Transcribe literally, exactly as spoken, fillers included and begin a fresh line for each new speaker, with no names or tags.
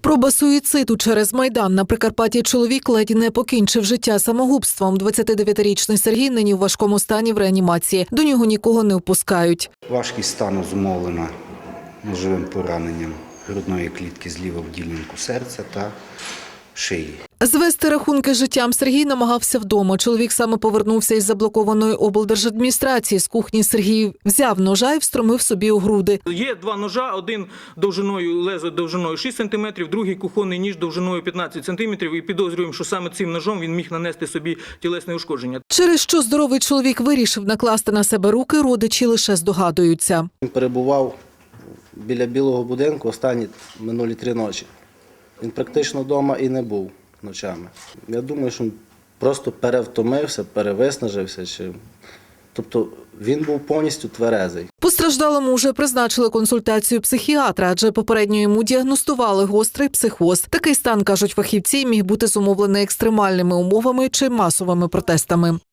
Спроба суїциду через Майдан. На Прикарпатті чоловік ледь не покінчив життя самогубством. двадцятидев'ятирічний Сергій нині в важкому стані в реанімації. До нього нікого не впускають.
Важкість стану зумовлена ножовим пораненням грудної клітки зліва в ділянку серця та шиї.
Звести рахунки з життям Сергій намагався вдома. Чоловік саме повернувся із заблокованої облдержадміністрації. З кухні Сергій взяв ножа і встромив собі у груди.
Є два ножа, один довжиною, лезо довжиною шість сантиметрів, другий кухонний ніж довжиною п'ятнадцять сантиметрів. І підозрюємо, що саме цим ножом він міг нанести собі тілесне ушкодження.
Через що здоровий чоловік вирішив накласти на себе руки, родичі лише здогадуються.
Він перебував біля білого будинку останні минулі три ночі. Він практично вдома і не був ночами. Я думаю, що він просто перевтомився, перевиснажився. Чи... Тобто він був повністю тверезий.
Постраждалому вже призначили консультацію психіатра, адже попередньо йому діагностували гострий психоз. Такий стан, кажуть фахівці, міг бути зумовлений екстремальними умовами чи масовими протестами.